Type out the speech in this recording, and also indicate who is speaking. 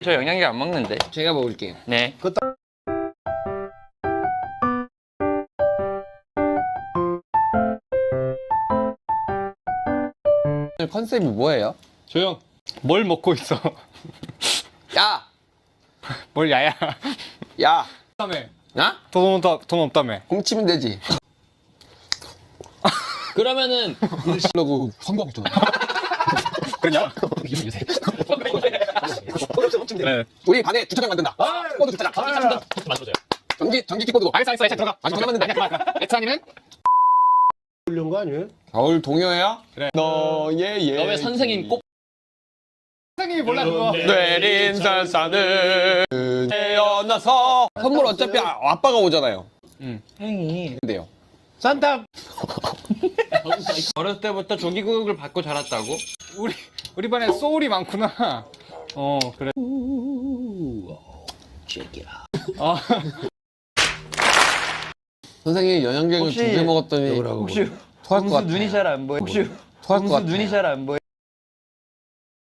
Speaker 1: 저 영양제 안 먹는데.
Speaker 2: 제가 먹을게요.
Speaker 1: 네.
Speaker 2: 오늘 컨셉이 뭐예요?
Speaker 1: 조용. 뭘 먹고 있어?
Speaker 2: 야!
Speaker 1: 뭘 야야?
Speaker 2: 야!
Speaker 1: 다음에.
Speaker 2: 나?
Speaker 1: 돈 없다며.
Speaker 2: 훔치면 되지.
Speaker 3: 그러면은
Speaker 2: 그러고 선거하고 있잖아.
Speaker 1: 그냥? 네.
Speaker 2: 우리 반에 주차장 만든다. 코드 주차장.
Speaker 3: 만들어줘요.
Speaker 2: 전기 키코드고.
Speaker 1: 알겠어, 들어가.
Speaker 2: 아직 전화 만든다.
Speaker 1: 엑스아니는?
Speaker 4: 훌륭한 거 아니에요?
Speaker 2: 겨울 동요야?
Speaker 1: 그래.
Speaker 2: 너의 예.
Speaker 3: 너의 선생님 꼭
Speaker 1: 선생님이 몰라 그거.
Speaker 2: 내린 산산을 태어나서 선물 어차피 아빠가 오잖아요.
Speaker 1: 행이.
Speaker 2: 근데요.
Speaker 4: 산타
Speaker 1: 어렸을 때부터 조기교육을 받고 자랐다고? 우리 반에 소울이 많구나. 그래. 아,
Speaker 2: 선생님이 영양제를
Speaker 1: 혹시-
Speaker 2: 2개 먹었더니
Speaker 1: 혹시
Speaker 2: 토할 것 같아.
Speaker 1: 눈이 잘 안 보여? 혹시
Speaker 2: 토할 것 같아.
Speaker 1: 눈이 잘 안 보여?